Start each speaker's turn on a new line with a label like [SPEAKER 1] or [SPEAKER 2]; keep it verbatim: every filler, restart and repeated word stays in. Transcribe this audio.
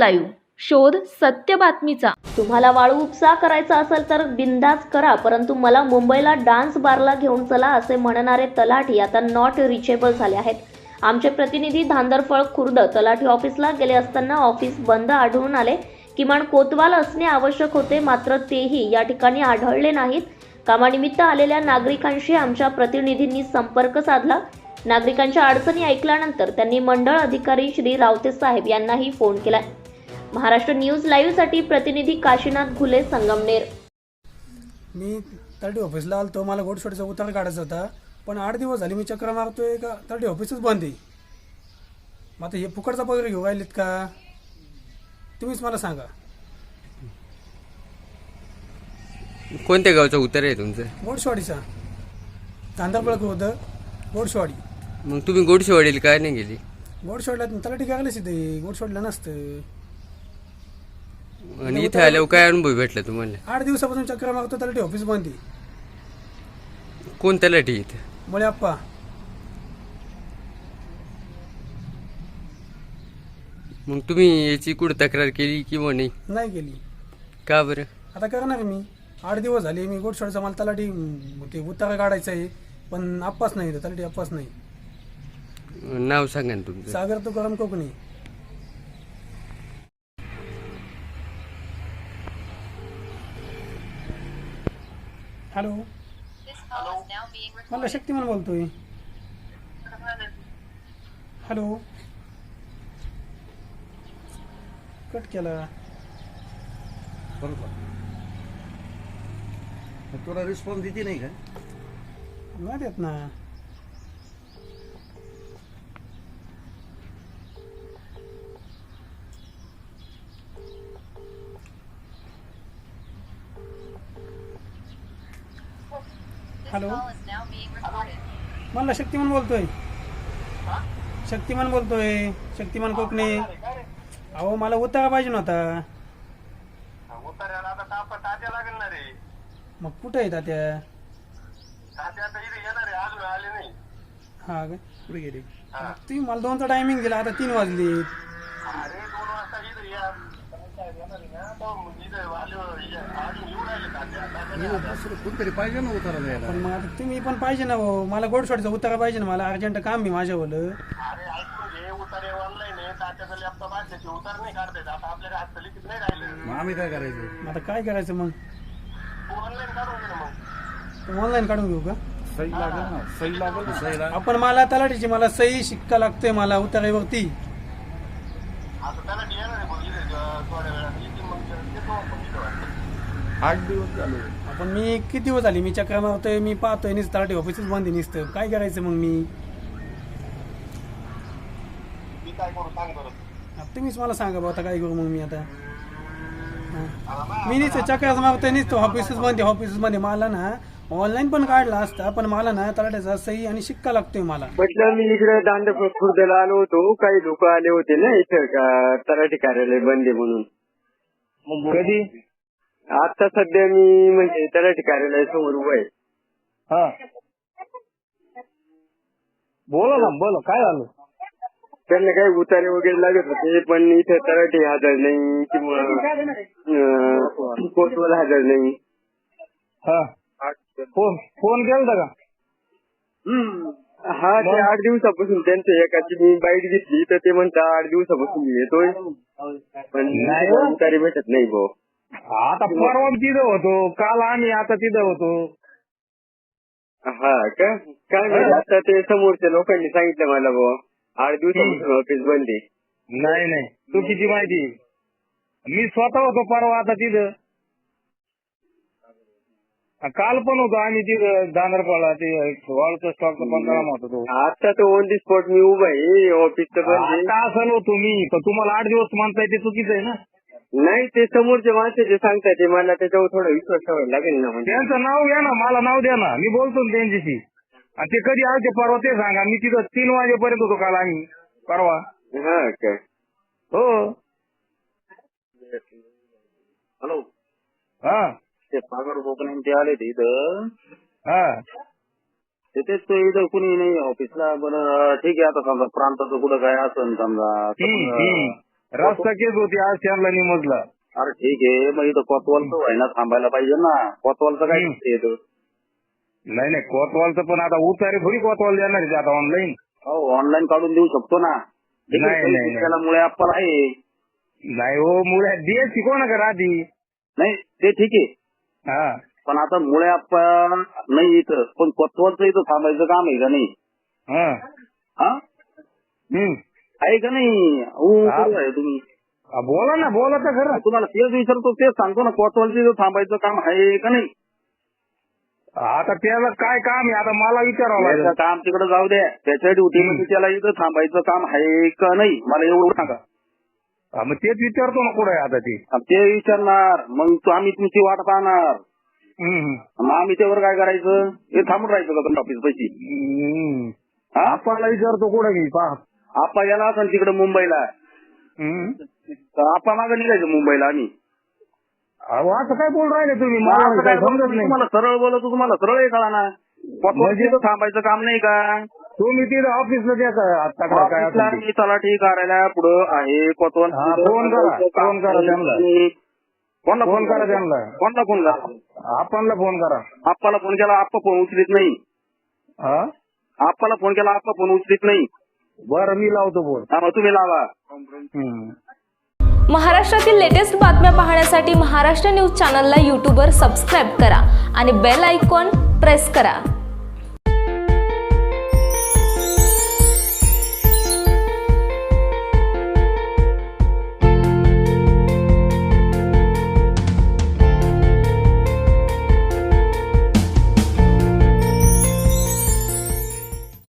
[SPEAKER 1] Live, शोध सत्य बातमीचा। तुम्हाला वाळू उपसा करायचा असेल तर बिंदास करा, परंतु मला मुंबईला डान्स बारला घेऊन चला असे म्हणणारे तलाठी आता नॉट रिचेबल झाले आहेत। आमचे प्रतिनिधी धांदरफळ खुर्द तलाठी ऑफिसला गेले असताना ऑफिस बंद आढळून आले। किमान कोतवाल असणे आवश्यक होते, मात्र तेही या ठिकाणी आढळले नाहीत। कामानिमित्त आलेल्या नागरिकांशी आमच्या प्रतिनिधींनी संपर्क साधला। नागरिकांच्या अडचणी ऐकल्यानंतर त्यांनी मंडळ अधिकारी श्री रावते साहेब यांनाही फोन केला। महाराष्ट्र न्यूज लाईव्ह साठी प्रतिनिधी काशीनाथ घुले, संगमनेर।
[SPEAKER 2] मी तर्डी ऑफिसला आलतो, मला गोडशोडीचा उतार काढायचा होता, पण आठ दिवस झाले मी चक्र मारतोय का तर्डी ऑफिसच बंद आहे। मग आता हे फुकटचा पगार घेऊ राहिलेत का, तुम्हीच मला सांगा।
[SPEAKER 3] कोणत्या गावचा उतार आहे तुमचं?
[SPEAKER 2] गोडशवाडीचा, धांदरफळ खुर्द गोडशवाडी।
[SPEAKER 3] मग तुम्ही गोडशेवाडीला काय नाही गेली?
[SPEAKER 2] गोडशवाडीला तलाठी करायला सिद्धे, गोडशवाडीला नसतं।
[SPEAKER 3] आणि इथे आल्यावर काय अनुभव भेटला तुम्हाला?
[SPEAKER 2] आठ दिवसापासून चक्र मारतो, तलाठी ऑफिस बंद आहे।
[SPEAKER 3] कोण तलाठी इथे?
[SPEAKER 2] मुळे आप्पा।
[SPEAKER 3] मग तुम्ही याची कुठं तक्रार केली किंवा नाही?
[SPEAKER 2] नाही केली।
[SPEAKER 3] का बरं?
[SPEAKER 2] आता करणार मी, आठ दिवस झाले मी गोडशवाडीचा मला तलाठी ते उतारा काढायचा आहे, पण आप्पाच नाही, तलाठी आप्पाच नाही।
[SPEAKER 3] नाव सांगा ना तुमचं?
[SPEAKER 2] सागर तुकाराम कोकणी। हॅलो, मला शक्तिमान बोलतोय। हॅलो, कट केला।
[SPEAKER 4] तुला रिस्पॉन्स देते नाही का?
[SPEAKER 2] नाही देत ना। हॅलो, मला शक्तिमान बोलतोय। शक्तिमान बोलतोय, शक्तिमान कोकणे। अहो, मला उतारा पाहिजे नव्हता। मग कुठे आहे तात्या? हा काय?
[SPEAKER 4] पुढे गेले
[SPEAKER 2] तुम्ही मला दोनचा टायमिंग दिला, आता तीन वाजले।
[SPEAKER 4] कोणतरी पाहिजे ना उतारा द्यायला।
[SPEAKER 2] पण मग आता तुम्ही पण पाहिजे ना हो, मला गोडशवाडीचा उतारा पाहिजे ना, मला अर्जंट काम आहे माझ्यावालं।
[SPEAKER 4] मग आम्ही काय करायचं?
[SPEAKER 2] आता काय करायचं मग? ऑनलाईन काढून घेऊ का?
[SPEAKER 4] सही लागेल ना, सही लागेल ना, सही लागेल।
[SPEAKER 2] आपण मला तलाठीची मला सही शिक्का लागतोय मला उतारावरती।
[SPEAKER 4] आठ दिवस झाले।
[SPEAKER 2] आपण मी किती दिवस झाले मी चक्र मारतोय, मी पाहतोय निस तलाठी ऑफिसच बंद आहे निसतं। काय करायचं मग मी? आता तुम्हीच मला सांगा बा, आता काय करू मग मी? आता मी नुसतं चक्र मारतोय, नुसतं ऑफिसच बंद आहे, ऑफिसच बंद आहे। मला ना ऑनलाईन पण काढला असता, पण मला ना तलाठ्याचा सही आणि शिक्का लागतोय मला।
[SPEAKER 5] म्हटलं मी इकडे दांडफळ खुर्दला आलो होतो, काही लोक आले होते ना इथं का तलाठी कार्यालय बंद आहे म्हणून।
[SPEAKER 4] कधी?
[SPEAKER 5] आता सध्या मी म्हणजे तलाठी कार्यालयासमोर उभा आहे।
[SPEAKER 4] हा, बोला ना, बोला काय झालं?
[SPEAKER 5] त्यांना काही उतारे वगैरे लागत होते, पण इथे तलाठी हजर नाही किंवा कोतवाल हजर नाही।
[SPEAKER 4] हा, फोन फोन केलता का?
[SPEAKER 5] हा, ते आठ दिवसापासून त्यांच्या एकाची मी बाईट घेतली, तर ते म्हणता आठ दिवसापासून मी येतोय, पण उतारे भेटत नाही भाऊ।
[SPEAKER 4] आता परवा तिथं होतो, काल आम्ही आता तिथं होतो।
[SPEAKER 5] हा का? काय माहिती, आता ते समोरच्या लोकांनी सांगितलं मला भाऊ आठ दिवसापासून ऑफिस बंद आहे।
[SPEAKER 4] नाही नाही, चुकीची माहिती। मी स्वतः होतो परवा आता तिथं, काल पण होतो आम्ही तिथं दांदरपाडा, ते वाळूचा स्टॉकचा पंधरा होतो तो।
[SPEAKER 5] आता तो ऑन दी स्पॉट मी उभा आहे, ऑफिसचं बंद आहे।
[SPEAKER 4] आता असं होतो मी, पण तुम्हाला आठ दिवस म्हणताय ते चुकीचं आहे ना?
[SPEAKER 5] नाही, ते समोरचे माणसं जे सांगताय ते मला त्याच्यावर थोडा विश्वास ठेवायला लागेल ना। म्हणजे
[SPEAKER 4] त्यांचं नाव घ्या ना, मला नाव द्या ना, मी बोलतो ना त्यांच्याशी। आणि ते कधी आलते परवा ते सांगा, मी तिथं तीन वाजेपर्यंत होतो काल आम्ही परवा।
[SPEAKER 5] हा काय?
[SPEAKER 4] हो।
[SPEAKER 5] हॅलो,
[SPEAKER 4] हा,
[SPEAKER 5] ते सागर कोकणे ते आले ते इथं।
[SPEAKER 4] हा,
[SPEAKER 5] तिथेच तो इथं कुणी नाही ऑफिसला। बरं ठीक आहे, आता समजा प्रांताचं कुठं काय असेल समजा,
[SPEAKER 4] रस्ता केस होती आज त्यांना निमजला.
[SPEAKER 5] अरे ठीक आहे, मग इथं कोतवालचं व्हायना थांबायला पाहिजे ना. कोतवालचं काय
[SPEAKER 4] हम्म.
[SPEAKER 5] येतं?
[SPEAKER 4] नाही नाही कोतवालचं पण आता उतारे थोडी कोतवाल देणार आहे आता ऑनलाईन.
[SPEAKER 5] हो ऑनलाईन काढून देऊ शकतो ना. ठीक आहे,
[SPEAKER 4] नाही, नाही,
[SPEAKER 5] त्याला मुळे आपण आहे.
[SPEAKER 4] नाही हो मुळे डीएससी कोणा का आधी.
[SPEAKER 5] नाही ते ठीक आहे,
[SPEAKER 4] हा
[SPEAKER 5] पण आता मुळे आपण नाही इथं, पण कोतवालचं इथं थांबायचं काम आहे का नाही?
[SPEAKER 4] हा
[SPEAKER 5] हा
[SPEAKER 4] हम्म
[SPEAKER 5] आहे का नाही? हो
[SPEAKER 4] हा.
[SPEAKER 5] बरोबर आहे तुम्ही.
[SPEAKER 4] आ, बोला ना बोला तर खरं.
[SPEAKER 5] तुम्हाला तेच विचारतो, तेच सांगतो ना, कोतवालचं इथं थांबायचं काम आहे का नाही?
[SPEAKER 4] आता त्याला काय काम आहे आता मला विचारावं लागेल.
[SPEAKER 5] त्याचं काम तिकडे जाऊ द्या, त्याच्या ड्युटीमध्ये त्याला इथं थांबायचं काम आहे का नाही मला एवढं सांगा.
[SPEAKER 4] हा, मग तेच विचारतो ना कुठे आता ते.
[SPEAKER 5] अब ते विचारणार, मग तो आम्ही तुमची वाट पाहणार,
[SPEAKER 4] हम्म.
[SPEAKER 5] मग आम्ही त्यावर काय करायचं? हे थांबून राहायचं का ऑफिस पैसे?
[SPEAKER 4] हम्म.
[SPEAKER 5] हा
[SPEAKER 4] आपल्याला विचारतो कुठे गेली पहा.
[SPEAKER 5] आपा गेला असेल तिकडे मुंबईला,
[SPEAKER 4] हम्म.
[SPEAKER 5] तर आपा मागं निघायचं मुंबईला आम्ही.
[SPEAKER 4] अहो असं काय बोल राहिले तुम्ही
[SPEAKER 5] मग
[SPEAKER 4] मला
[SPEAKER 5] असं
[SPEAKER 4] काय
[SPEAKER 5] काय बोलतो,
[SPEAKER 4] समजत
[SPEAKER 5] मी
[SPEAKER 4] नाही.
[SPEAKER 5] तुम्हाला सरळ बोलतो, तुम्हाला सरळ कळा ना.
[SPEAKER 4] म्हणजे?
[SPEAKER 5] तिथं थांबायचं काम नाही का?
[SPEAKER 4] तुम्ही तिथं ऑफिसला द्या का आता काय काय
[SPEAKER 5] ऑफिसला
[SPEAKER 4] असेल ते.
[SPEAKER 5] मी तलाठी कार्यालया पुढं आहे कोतवाल.
[SPEAKER 4] हा, फोन करा, फोन करा त्यांना.
[SPEAKER 5] कोणला
[SPEAKER 4] फोन करा त्यांना.
[SPEAKER 5] कोणला फोन करा?
[SPEAKER 4] आपणला फोन करा.
[SPEAKER 5] आप्पाला फोन केला, आप्पा फोन उचलीत नाही.
[SPEAKER 4] हा
[SPEAKER 5] आप्पाला फोन केला, आप्पा फोन उचलीत नाही.
[SPEAKER 4] बरं मी लावतो फोन.
[SPEAKER 5] हा, मग तुम्ही लावा.
[SPEAKER 4] हम्म.
[SPEAKER 6] महाराष्ट्रातील लेटेस्ट बातम्या पाहण्यासाठी महाराष्ट्र न्यूज चॅनलला यूट्यूबवर सबस्क्राईब करा आणि बेल आयकॉन प्रेस करा.